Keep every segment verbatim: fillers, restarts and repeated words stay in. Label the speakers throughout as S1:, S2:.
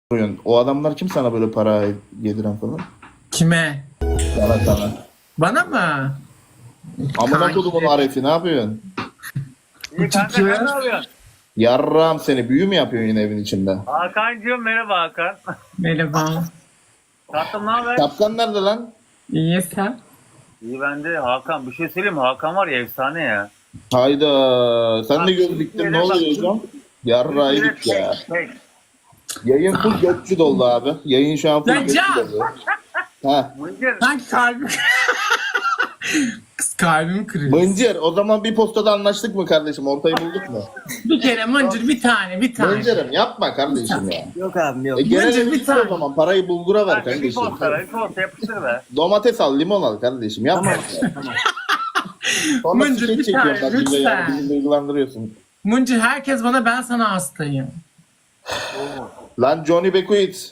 S1: soruyorsun. O adamlar kim sana böyle para yediren falan?
S2: Kime?
S1: Sana sana.
S2: Bana mı?
S1: Amına
S2: Kanki.
S1: kodumun Arif'i ne yapıyorsun?
S3: İyi kanka sen ne yapıyorsun?
S1: Yarram seni büyü mü yapıyorsun yine evin içinde?
S3: Hakan'cığım merhaba Hakan.
S2: Merhaba.
S3: Tatlım ne haber?
S1: Şapkan nerede lan?
S2: İyi sen?
S3: İyi bende Hakan. Bir şey söyleyeyim mi? Hakan var ya efsane ya.
S1: Hayda. Sen de
S3: Bak,
S1: göz diktin ne
S3: bak,
S1: oluyor hocam? Yarraydık ya. Yayın full gökçü doldu abi. Yayın şu an full
S2: Lan
S1: gökçü
S2: Can!
S1: doldu. Ha.
S3: Mıncır.
S2: Lan kalbim. Kız kalbim kırıyor.
S1: Mıncır o zaman bir postada anlaştık mı kardeşim? Ortayı bulduk mu?
S2: Bir kere mıncır bir tane bir tane.
S1: Mıncır'ım yapma kardeşim ya.
S4: Yok abim yok.
S1: E genel
S2: Mıncır
S1: evi
S2: bir
S1: o
S2: tane.
S1: zaman parayı bulgura ver
S3: Kanka bir
S1: kardeşim.
S3: posta bir posta yapıştır be.
S1: Domates al, limon al kardeşim. Yapma. Sonra
S2: Mıncır,
S1: skeç
S2: bir
S1: çekiyorsun
S2: tane,
S1: bak bize ya.
S2: lütfen.
S1: Bizi duygulandırıyorsun.
S2: Mıncır herkes bana ben sana hastayım.
S1: Lan Johnny Bekuit.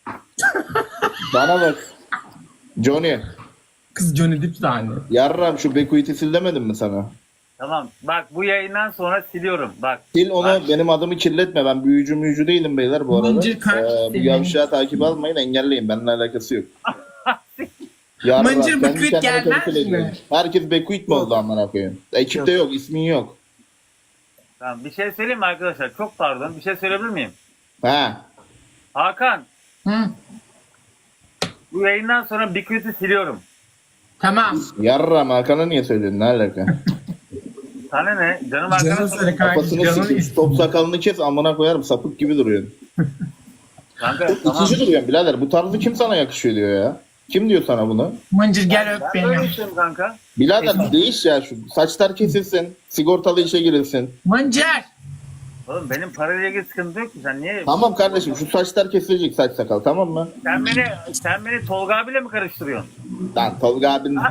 S1: Bana bak. Johnny.
S2: Kız Johnny Depp tane.
S1: Yarram şu Bekuit'i sil demedim mi sana?
S3: Tamam bak bu yayından sonra siliyorum. Bak.
S1: Sil onu benim adımı kirletme. Ben büyücü müyücü değilim beyler bu arada.
S2: Mıncır kanka
S1: Ee, bu
S2: senin.
S1: yavşağı takip almayın engelleyin. Benimle alakası yok. Yarram,
S2: Mıncır
S1: kendi
S2: Bekuit
S1: kendine
S2: gelmez
S1: temsil
S2: mi?
S1: ediyorsun. Herkes Bekuit mi oldu amına koyayım? Ekipte yok, ismin yok.
S3: Tamam bir şey söyleyeyim mi arkadaşlar? Çok pardon. Bir şey söyleyebilir miyim?
S1: Ha.
S3: Hakan
S2: Hı.
S3: bu yayından sonra Bikrit'i siliyorum.
S2: Tamam.
S1: Yarram Hakan'a niye söylüyorsun? Ne alaka?
S3: Sana ne? Canım
S2: Canın
S3: arkadaşım.
S2: söyle kanka.
S1: Kafasını
S2: Canın
S1: sikeyim.
S2: istiyor.
S1: Top sakalını kes amına koyarım. Sapık gibi duruyorsun.
S3: Kanka tamam.
S1: İkinci duruyorsun birader. Bu tarzı kim sana yakışıyor diyor ya. Kim diyor sana bunu?
S2: Mıncır gel öp
S3: Ben böyle
S2: beni.
S3: istiyorum kanka.
S1: Birader değiş ya şu. Saçlar kesilsin. Sigortalı işe girilsin.
S2: Mıncır.
S3: Oğlum benim parayla ilgili sıkıntı yok ki. Sen niye?
S1: Tamam kardeşim şu saçlar kesilecek saç sakal tamam mı?
S3: Sen beni sen beni Tolga abiyle mi karıştırıyorsun?
S1: Lan Tolga abin var.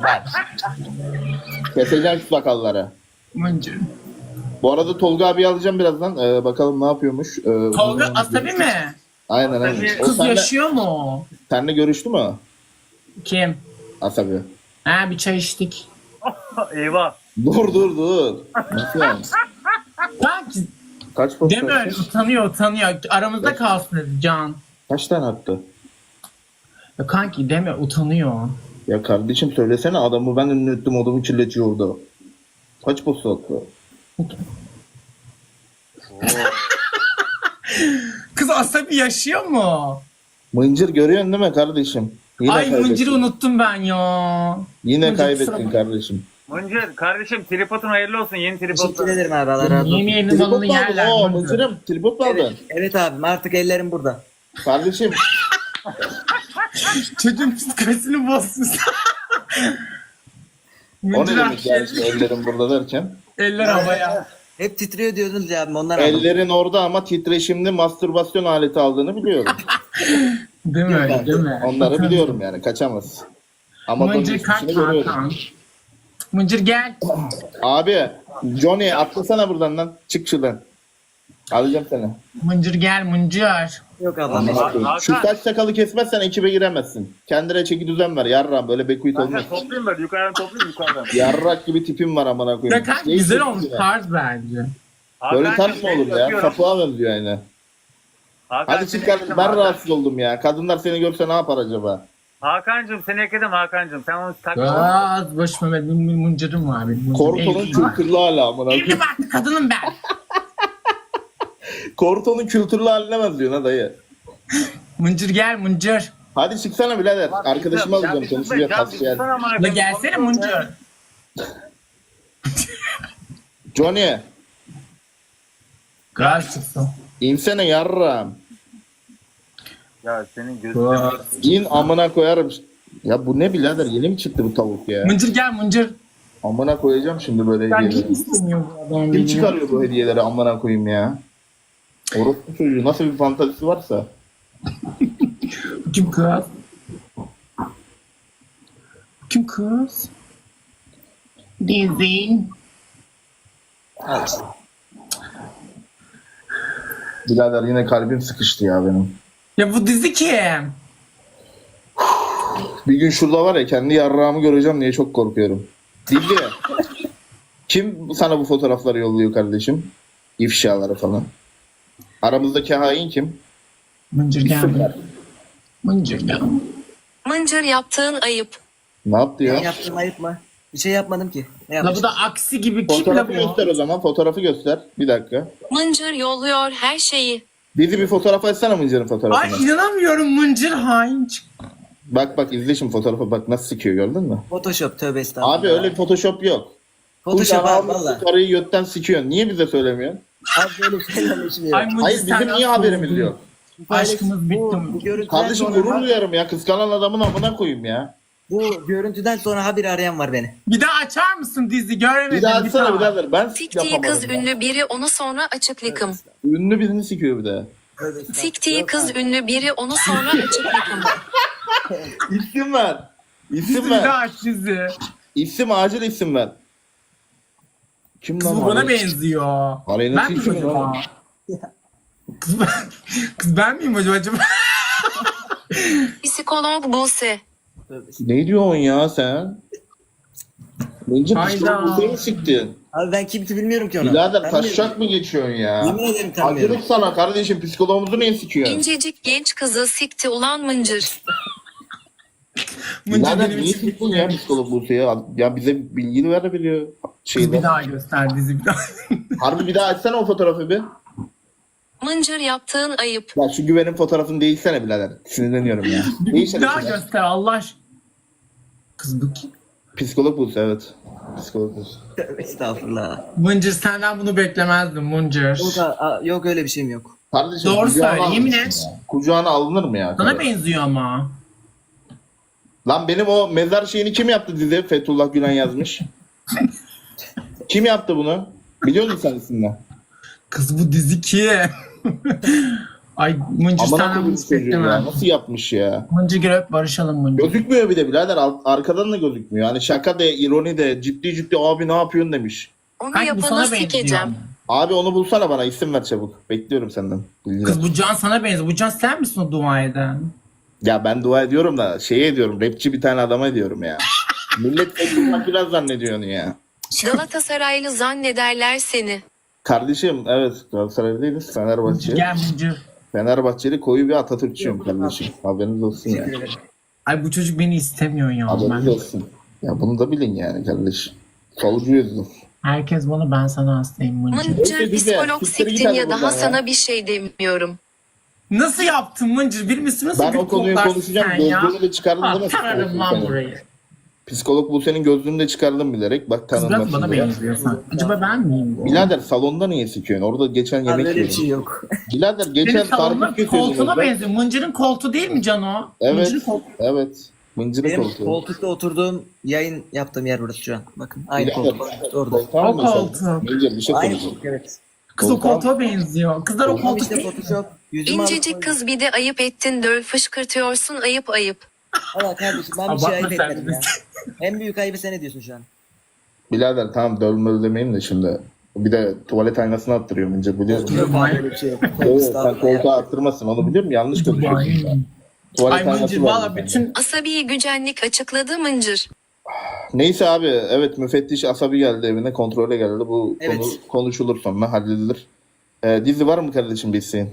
S1: Keseceğim şu sakalları.
S2: Mıncır.
S1: Bu arada Tolga abi alacağım birazdan. Ee, bakalım ne yapıyormuş. Ee,
S2: Tolga
S1: bunu-
S2: Asabi mi?
S1: Aynen aynen.
S3: Asabi-
S1: O
S2: Kız
S1: senle,
S2: yaşıyor mu?
S1: senle görüştü mü?
S2: Kim?
S1: Asabi.
S2: Ha bir çay içtik.
S3: Eyvah.
S1: Dur dur dur. Nasıl yani?
S2: Kanki
S1: Kaç posta
S2: deme öyle
S1: atmış?
S2: utanıyor utanıyor. Aramızda kalsın dedi Can.
S1: Kaç tane attı?
S2: Ya kanki deme utanıyor.
S1: Ya kardeşim söylesene adamı ben ünlü ettim odamı kirletiyordu. Kaç posta attı?
S2: Kız Asabi yaşıyor mu?
S1: Mıncır görüyorsun değil mi kardeşim? Yine
S2: Ay
S1: kaybettin.
S2: Mıncır'ı unuttum ben ya.
S1: Yine
S2: Mıncır,
S1: kaybettin
S2: kusura-
S1: kardeşim.
S3: Mıncır kardeşim tripodun hayırlı olsun yeni
S4: Teşekkür
S3: tripod.
S4: ederim abi Allah razı olsun.
S2: Yeni yeni
S1: Tripod
S2: balını
S1: mu aldın?
S2: yerler.
S1: Oo
S2: Mıncır.
S1: Mıncır'ım tripod mu aldın?
S4: Evet, evet abim artık ellerim burada.
S1: Kardeşim
S2: Çocuğun psikolojisini bozsun.
S1: o ne
S2: Mıncır
S1: demek yani
S2: aşağı-
S1: şimdi ellerim burada derken?
S2: Eller havaya.
S4: Hep titriyor diyordunuz ya abim ondan aldım.
S1: Ellerin orada ama titreşimli mastürbasyon aleti aldığını biliyorum.
S2: Değil mi öyle değil mi?
S1: Onları biliyorum yani kaçamaz. Ama
S2: Mıncır kalk Hakan. Mıncır gel.
S1: Abi Johnny atlasana buradan lan. Çık şuradan. Alacağım seni.
S2: Mıncır gel Mıncır.
S4: Yok ablam.
S1: Amına
S3: Hakan.
S1: koyayım. Şu saç sakalı kesmezsen ekibe giremezsin. Kendine çeki düzen ver yarram böyle bekuit olmaz.
S3: Kanka toplayayım böyle yukarıdan toplayayım yukarıdan.
S1: Yarrak gibi tipim var amına
S2: Ya
S1: koyayım.
S2: kanka
S1: Şey
S2: güzel
S1: çok
S2: olmuş
S1: güzel.
S2: tarz bence.
S1: Böyle
S3: Hakan'cığım,
S1: tarz mı olur
S3: seni
S1: ya?
S3: öpüyorum.
S1: Sapığa benziyor yani.
S3: Hakan,
S1: Hadi
S3: seni
S1: çık kardeşim.
S3: ekledim
S1: Ben
S3: Hakan.
S1: rahatsız oldum ya. Kadınlar seni görse ne yapar acaba?
S3: Hakan'cığım seni ekledim Hakan'cığım. Sen onu takma.
S2: Az boş Mehmet benim bir mıncırım var benim.
S1: Korto'nun
S2: Evliyim.
S1: kültürlü hali amına
S2: Evli
S1: koyayım.
S2: barklı kadınım ben.
S1: Korto'nun kültürlü haline benziyor ha dayı.
S2: Mıncır gel Mıncır.
S1: Hadi çıksana birader. Arkadaşımı
S3: Ya
S1: alacağım
S3: bir sus be,
S1: konuşacağız.
S3: can bir
S1: Hasbihal.
S3: sussana amına
S2: La
S3: koyayım.
S2: gelsene Mıncır.
S1: Johnny.
S2: Gaz çıksın.
S1: İnsene yarram.
S3: Ya senin gözün.
S1: İn amına koyarım. Ya bu ne birader? Yeni mi çıktı bu tavuk ya?
S2: Mıncır gel Mıncır.
S1: Amına koyacağım şimdi böyle
S2: Ben niye
S1: hediyeleri.
S2: istemiyor bu adam
S1: Kim
S2: beni?
S1: çıkarıyor bu hediyeleri amına koyayım ya? Orospu çocuğu nasıl bir fantazisi varsa.
S2: Kim kız? Kim kız? Dizi.
S4: Al işte.
S1: Birader yine kalbim sıkıştı ya benim.
S2: Ya bu dizi kim?
S1: Bir gün şurada var ya kendi yarrağımı göreceğim diye çok korkuyorum. Dilli. Kim sana bu fotoğrafları yolluyor kardeşim? İfşaları falan. Aramızdaki hain kim?
S2: Mıncır
S1: İsim
S2: geldi.
S1: ver.
S2: Mıncır geldi.
S5: Mıncır yaptığın ayıp.
S1: Ne yaptı
S4: Ben
S1: ya?
S4: yaptım ayıp mı? Bir şey yapmadım ki. Ne
S2: La bu
S4: yapmışım?
S2: da aksi gibi kim la
S1: Fotoğrafı
S2: bu?
S1: göster o zaman. Fotoğrafı göster. Bir dakika.
S5: Mıncır yolluyor her şeyi.
S1: Bizi bir fotoğraf açsana Mıncır'ın
S2: Ay
S1: fotoğrafını.
S2: inanamıyorum Mıncır hain çıktı.
S1: Bak bak izle şimdi fotoğrafa bak nasıl sikiyor gördün mü?
S4: Photoshop tövbe estağfurullah.
S1: Abi öyle bir Photoshop yok.
S4: Photoshop
S1: Kucağına
S4: abi
S1: almışsın
S4: valla.
S1: karıyı götten sikiyorsun. Niye bize söylemiyorsun?
S4: Abi böyle şeylerle işim yok.
S2: Ay Mıncır
S1: Hayır bizim
S2: senden
S1: niye haberimiz
S2: soğudum.
S1: yok?
S2: Aşkımız bitti
S4: Bu,
S2: mi?
S4: bu görüntüden
S1: Kardeşim
S4: sonra,
S1: gurur duyarım ya. Kıskanan adamın amına koyayım ya.
S4: bu görüntüden sonra habire arayan var beni.
S2: Bir daha açar mısın dizi? Göremedim.
S1: Bir daha açsana birader. Ben
S5: Siktiği
S1: yapamadım.
S5: kız
S1: ya.
S5: ünlü biri onu sonra açık likım.
S1: Ünlü birini sikiyor bir de.
S4: Tövbe estağfurullah.
S5: Siktiği
S4: Yok
S5: kız
S4: abi.
S5: ünlü biri onu sonra açık likım.
S1: İsim ver. İsim
S2: Dizi bir daha
S1: ver.
S2: aç dizi.
S1: İsim acil isim ver. Kim
S2: Kız
S1: lan
S2: bu bana
S1: o?
S2: benziyor.
S1: Aleyna
S2: Ben miyim
S1: Tilki mi
S2: acaba?
S1: lan?
S2: Kız ben, kız ben miyim acaba? acaba?
S5: Psikolog Buse.
S4: Tövbe estağfurullah.
S1: Ne diyorsun ya sen? Bence
S2: Hayda.
S1: psikolog bu mi siktin?
S4: Abi ben kimse bilmiyorum ki onu.
S1: Birader
S4: Ben
S1: taşacak mı geçiyorsun ya?
S4: Yemin ederim tanımıyorum.
S1: Acılık sana kardeşim psikologumuzu niye sikiyorsun?
S5: İncecik genç kızı sikti ulan Mıncır.
S2: Mıncır
S1: Birader
S2: benim
S1: niye
S2: için.
S1: siktin ya psikolog Buse'ye? Ya bize bilgi verebiliyor.
S2: Kız
S1: Şeyden.
S2: bir daha göster dizi bir daha.
S1: Harbi bir daha açsana o fotoğrafı bir.
S5: Mıncır yaptığın ayıp.
S1: Ya şu güvenin fotoğrafını değişsene birader. Sinirleniyorum ya.
S2: Bir
S1: Değişsene.
S2: daha
S1: şunu.
S2: göster Allah aşkına. Kız bu kim?
S1: Psikolog Buse evet. Psikolog Buse.
S4: Tövbe estağfurullah.
S2: Mıncır senden bunu beklemezdim Mıncır.
S4: Yok, a- yok öyle bir şeyim yok.
S1: Kardeşim
S2: Doğru
S1: kucağına
S2: söyle, yemin
S1: almışsın
S2: et.
S1: ya. Kucağına alınır mı ya?
S2: Sana
S1: karı?
S2: benziyor ama.
S1: Lan benim o mezar şeyini kim yaptı dizi? Fethullah Gülen yazmış. Kim yaptı bunu? Biliyor musun sen isimle?
S2: Kız bu dizi kim? Ay Mıncır
S1: Amına
S2: senden
S1: koyayım
S2: bunu
S1: çocuğu ya.
S2: beklemem.
S1: Nasıl yapmış ya?
S2: Mıncır gel öp barışalım Mıncır.
S1: Gözükmüyor bir de birader. Ar- Arkadan da gözükmüyor. Hani şaka de, ironi de, ciddi ciddi abi ne yapıyorsun demiş.
S5: Onu
S2: Kanki bu
S5: yapanı
S2: sana benziyor.
S5: sikeceğim.
S1: Abi onu bulsana bana isim ver çabuk. Bekliyorum senden. Bilgi ver.
S2: Kız bu Can sana benziyor. Bu Can sen misin o dua eden?
S1: Ya ben dua ediyorum da şeye ediyorum. Rapçi bir tane adama ediyorum ya. Millet Fethullah Gülen zannediyor onu ya.
S5: Galatasaraylı zannederler seni.
S1: Kardeşim evet Galatasaraylı değiliz. Fenerbahçe.
S2: Gel Mıncır.
S1: Fenerbahçeli koyu bir Atatürkçüyüm kardeşim. Haberiniz olsun ya.
S4: Teşekkür ederim.
S2: Ay bu çocuk beni istemiyor ya.
S1: Haberiniz
S2: Ben.
S1: olsun. Ya bunu da bilin yani kardeşim. Solcuyuz.
S2: Herkes bana ben sana hastayım Mıncır.
S5: Mıncır
S1: Neyse, bize.
S5: psikolog
S1: Siktir git
S5: siktin
S1: hadi
S5: ya daha
S1: buradan ya.
S5: sana bir şey demiyorum.
S2: Nasıl yaptın Mıncır? Bir misin nasıl
S1: Ben
S2: bir
S1: o konuyu
S2: koklarsın
S1: konuşacağım.
S2: sen ya?
S1: Gözlüğünü de çıkardım değil
S2: Ah
S1: mi?
S2: tanırım lan
S1: Senin.
S2: burayı.
S1: Psikolog bu senin gözlüğünü de çıkardım bilerek. Bak
S2: Kız biraz
S1: tanınmasın
S2: bana
S1: diye.
S2: benziyor sen. Acaba ben miyim bu?
S1: Birader salonda niye sikiyorsun? Orada geçen
S4: Abi
S1: yemek
S4: öyle bir şey
S1: yiyordum.
S4: yok.
S1: Birader geçen
S2: Senin salonun
S1: karpuz kesiyordum.
S2: koltuğuna
S1: orada.
S2: benziyor. Mıncır'ın koltuğu değil mi Can o?
S1: Evet.
S2: Mıncır'ın koltuğu.
S1: Evet. Mıncırı
S4: Benim
S1: koltuğu.
S4: koltukta oturduğum yayın yaptığım yer burası şu an. Bakın aynı
S1: Birader,
S4: koltuk. Orada.
S1: koltuğa mı
S2: O
S1: sen?
S2: koltuğu.
S1: Mıncır bir şey
S4: Aynı
S1: konuşalım.
S4: koltuk evet.
S2: Kız o
S1: Koltuğa-
S2: koltuğa benziyor. Kızlar o
S4: Tamam
S2: koltuk
S4: işte
S2: değil mi?
S4: Photoshop. Yüzümü alıp
S5: İncecik
S4: koydum.
S5: kız bir de ayıp ettin döl fışkırtıyorsun ayıp ayıp.
S4: Valla kardeşim ben bir şey
S2: Abartma
S4: ayıp
S2: sen
S4: etmedim
S2: de.
S4: ya. En büyük ayıbı sen ediyorsun şu an.
S1: Birader tamam dövme demeyeyim de şimdi. Bir de tuvalet aynasını attırıyor Mıncır biliyor musun?
S4: Yok abi öyle bir şey yok.
S1: Evet, sen
S4: Estağfurullah ya.
S1: koltuğa attırmasın onu biliyorum yanlış konuşuyorsun.
S2: Ay,
S1: sen. Tuvalet
S2: Ay Mıncır
S1: aynası var
S2: valla
S1: bir tane.
S2: bütün
S5: Asabi gücenlik açıkladı Mıncır.
S1: Neyse abi evet müfettiş Asabi geldi evine kontrole geldi. Bu
S4: Evet.
S1: konu konuşulur sonra halledilir. Ee, dizi var mı kardeşim bir isteğin?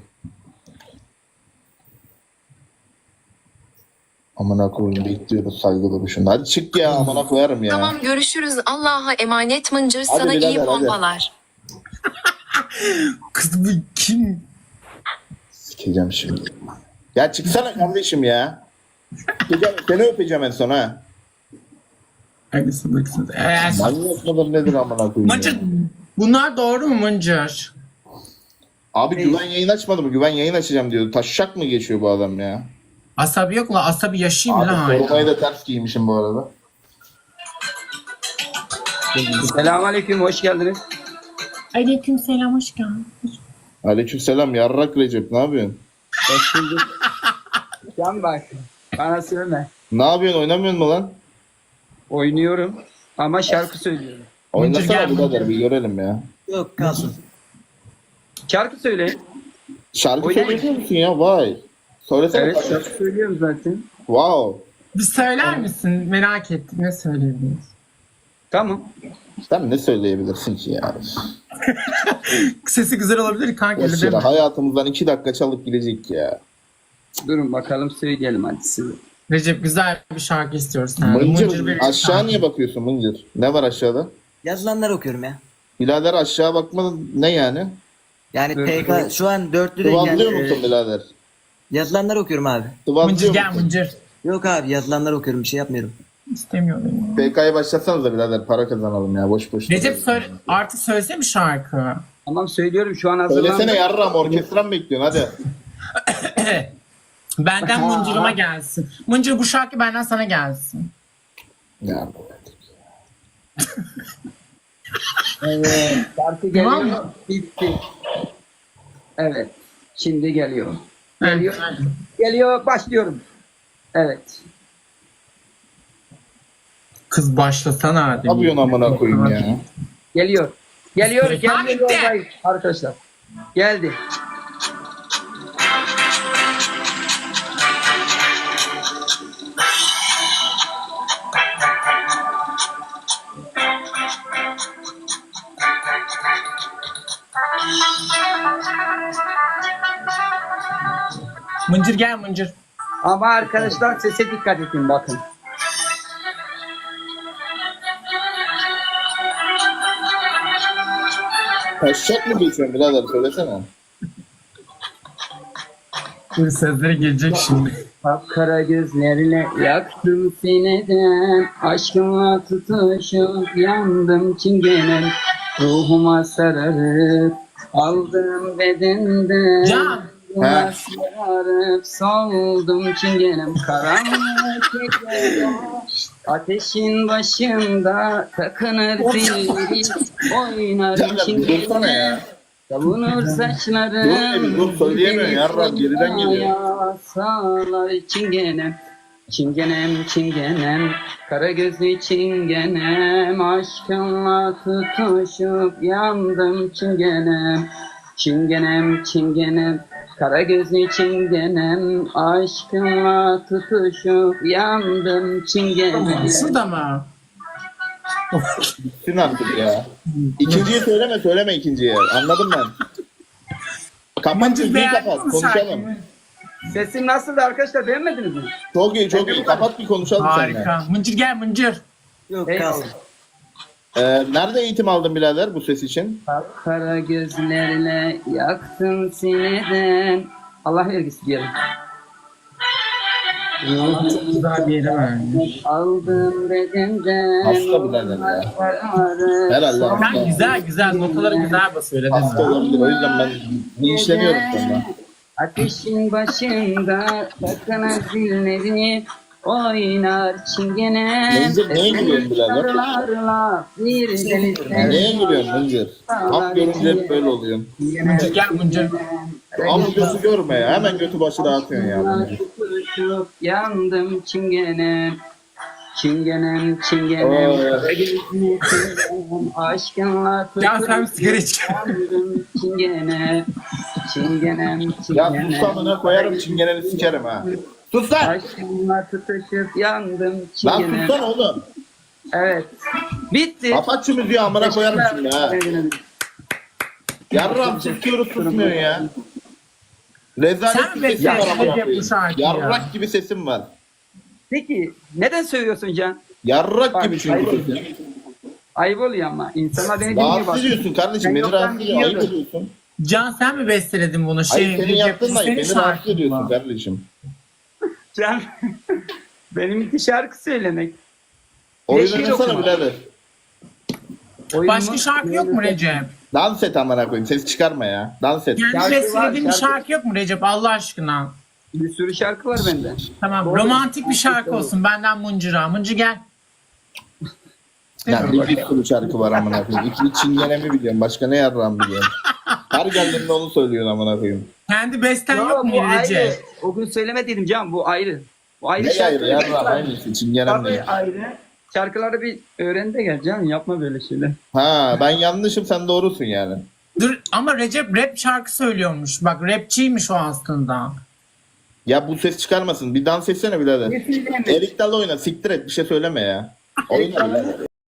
S1: Amına koyayım bekliyoruz saygılı bir şunda. Hadi çık ya amına koyarım ya.
S5: Tamam görüşürüz Allah'a emanet Mıncır
S1: Hadi
S5: sana iyi
S1: birader, hadi.
S5: pompalar.
S2: kız bu kim?
S1: Sikeceğim şimdi. Ya çıksana kardeşim ya. Sikeceğim, seni öpeceğim en son ha.
S2: Hangisi baksın. Eğer
S1: Manyak mıdır nedir amına koyayım
S2: Mıncır
S1: ya.
S2: bunlar doğru mu Mıncır?
S1: Abi güven yayın açmadı mı? Güven yayın açacağım diyor. Taşşak mı geçiyor bu adam ya?
S2: Asabi yok la asabi yaşayayım la
S1: Abi korumayı
S2: hala.
S1: da ters giymişim bu arada.
S6: Selamünaleyküm, hoş geldiniz.
S2: Aleyküm selam hoş geldin.
S1: Aleykümselam yarrak Recep ne yapıyorsun?
S6: Hoş bulduk. Can bak, bana söyleme.
S1: Ne yapıyorsun oynamıyorsun mu lan?
S6: Oynuyorum ama şarkı söylüyorum.
S1: Oynasana
S2: gel,
S1: birader
S2: Mıncır.
S1: bir görelim ya.
S4: Yok kalsın.
S6: Şarkı söyle.
S1: Şarkı
S6: Oynayın.
S1: söylüyor musun ya? Vay. Söylesene.
S6: Evet,
S1: kardeşim.
S6: şarkı söylüyorum zaten.
S1: Wow.
S2: Bir söyler misin? Merak ettim. Ne söyleyebiliriz?
S6: Tamam.
S1: Sen ne söyleyebilirsin ki ya?
S2: Sesi güzel olabilir kanka öyle
S1: Boş
S2: deme.
S1: yere hayatımızdan iki dakika çalıp gidecek ya.
S6: Durun bakalım söyleyelim hadi size.
S2: Recep güzel bir şarkı istiyoruz senden.
S1: Mıncır
S2: bir
S1: aşağı
S2: şarkı.
S1: niye bakıyorsun Mıncır? Ne var aşağıda?
S4: Yazılanları okuyorum ya.
S1: Birader aşağı bakma ne yani?
S4: Yani
S6: Evet,
S4: P K
S6: evet.
S4: şu an dörtlüdeyim
S1: Sıvazlıyor
S4: yani.
S1: musun
S4: e,
S1: birader?
S4: yazılanları okuyorum abi.
S2: Mıncır
S1: Sıvazlıyor
S2: gel
S1: musun?
S2: Mıncır.
S4: Yok abi yazılanları okuyorum bir şey yapmıyorum.
S2: İstemiyorum.
S1: P K'ya başlatsanız da birader para kazanalım ya boş boş.
S2: Recep söyle, artık söylesene bir şarkı.
S6: Tamam söylüyorum şu an hazırlandım.
S1: Söylesene yarram orkestran bekliyorsun hadi.
S2: Benden
S6: Ha.
S2: Mıncır'ıma gelsin. Mıncır bu şarkı benden sana gelsin.
S1: Ya.
S6: Evet. Şarkı
S2: Tamam
S6: geliyor.
S2: mı?
S6: Bitti. Evet. Şimdi geliyor.
S2: Evet.
S6: Geliyor. Geliyor. Başlıyorum. Evet.
S2: Kız başlasana hadi.
S1: Ne yapıyorsun amına koyayım ya?
S6: Geliyor. Geliyor.
S2: Ha,
S6: Geldi
S2: bitti.
S6: yoldayız arkadaşlar. Geldi.
S2: Mıncır gel Mıncır.
S6: Ama arkadaşlar sese dikkat edin bakın.
S1: Taşacak mı geçiyorsun birader söylesene.
S2: Dur sözleri gelecek şimdi.
S6: Kapkara gözlerle yaktım sineden, aşkıma tutuşup yandım çingenem, ruhuma sararıp aldım bedenden.
S2: Can.
S6: Ruhuma sararıp soldum çingenem, karanlık gecede ateşin başında takınır zil, oynar
S1: Canım dursana ya.
S6: savunur saçlarım.
S1: Dur bir dur söyleyemiyorsun yarram geriden geliyor.
S6: Sağlar çingenem, çingenem, çingenem, kara gözlü çingenem, aşkınla tutuşup yandım çingenem, çingenem, çingenem, kara gözlü çingenem, aşkınla tutuşup yandım çingenem.
S2: Şurada mı?
S1: Bitsin artık ya. İkinciyi söyleme söyleme ikinciyi. Anladım ben. Kapat
S2: Mıncır
S1: müziği
S2: beğendin
S1: kapat
S2: mi
S1: konuşalım.
S2: şarkıyı?
S6: Sesim nasıldı arkadaşlar, beğenmediniz mi?
S1: Çok iyi çok iyi kapat bir konuşalım seninle.
S2: Harika. Mıncır gel Mıncır.
S4: Yok
S6: Eyvallah.
S4: kalsın.
S1: Ee, nerede eğitim aldın birader bu ses için?
S6: Kara gözlerle yaktın sineden. Allah vergisi diyelim.
S2: Çok güzel bir yere vermiş.
S6: Aldım bedenden.
S1: Hasta birader ya. Herhalde hasta.
S2: Ben güzel güzel notaları güzel basıyor. öyle
S1: Hasta
S2: değil mi?
S1: olabilir o yüzden ben linçleniyorum sonra.
S6: Ateşin başında takana zilleri oynar çingene.
S1: Mıncır neye gülüyorsun birader?
S6: Sarılarla bir denizden.
S1: Neye gülüyorsun Mıncır? Hap görünce hep böyle oluyorsun.
S2: Mıncır gel Mıncır.
S1: Ama götü görme ya. Hemen götü başı dağıtıyorsun ya Mıncır.
S6: Tutuşup yandım çingene. Çingenem, çingenem,
S1: Oy.
S6: kara gözlü çingenem, aşkınla
S2: Ya sen
S6: tutuşup
S2: sigara iç.
S6: yandım çingene. Çingenem,
S1: Ya
S6: çingenem.
S1: sus amına koyarım çingeneni sikerim ha. Sus lan!
S6: Aşkınla tutuşup yandım
S1: Lan
S6: çingene.
S1: sussana oğlum.
S6: Evet. Bitti.
S1: Kapat şu müziği amına koyarım şimdi ha. Yarram susuyoruz susmuyorsun ya. Rezalet
S2: Sen
S1: bir sesim var
S2: bekle,
S1: amına
S2: Recep, bu
S1: koyayım.
S2: şarkıyı ya.
S1: Yarrak gibi sesim var.
S6: Peki neden söylüyorsun Can?
S1: Yarrak
S6: Bak,
S1: gibi çünkü
S6: ayıp.
S1: sesim.
S6: Ayıp oluyor ama. İnsanlar beni dinliyor bak.
S1: Rahatsız ediyorsun kardeşim.
S6: Ben
S1: Beni
S6: yoktan
S1: rahatsız ediyorsun. Ayıp
S6: biliyordum.
S1: ediyorsun.
S2: Can sen mi besteledin bunu? Şey,
S1: Hayır senin
S2: Recep,
S1: yaptığın da ayıp.
S2: senin
S1: Beni rahatsız
S2: şarkın
S1: ediyorsun
S2: mı?
S1: kardeşim.
S6: Can benimki şarkı söylemek.
S1: Oyun
S6: şiir
S1: oynasana
S6: okuma.
S1: birader.
S6: Oyunumu-
S2: Başka şarkı yok mu Recep?
S1: Dans et amına koyayım. Ses çıkarma ya. Dans et.
S2: Kendi
S6: Şarkı var,
S2: bestelediğin bir
S6: şarkı.
S2: şarkı yok mu Recep Allah aşkına?
S6: Bir sürü şarkı var bende.
S2: Tamam
S6: Doğru.
S2: romantik bir şarkı olsun benden Mıncır'a. Mıncır gel.
S1: Ya bir bir sürü şarkı var amına koyayım. İki çingenemi biliyorum. Başka ne yarram biliyorum. Her geldiğinde onu söylüyorsun amına koyayım.
S2: Kendi besten
S6: Yo,
S2: yok mu
S6: bu ayrı.
S2: Recep?
S6: O gün söylemediydim Can, bu ayrı. Bu ayrı
S1: Ne
S6: şarkı.
S1: ayrı yarram aynısı. Çingenem
S6: Tabii
S1: değil.
S6: ayrı. Şarkıları bir öğren de gel Can, yapma böyle şeyler.
S1: Ha ben yanlışım sen doğrusun yani.
S2: Dur ama Recep rap şarkı söylüyormuş. Bak rapçiymiş o aslında.
S1: Ya bu ses çıkarmasın. Bir dans etsene birader.
S6: Ne söyleyeyim?
S1: Erik Dalı oyna. Siktir et. Bir şey söyleme ya. Oyna birader.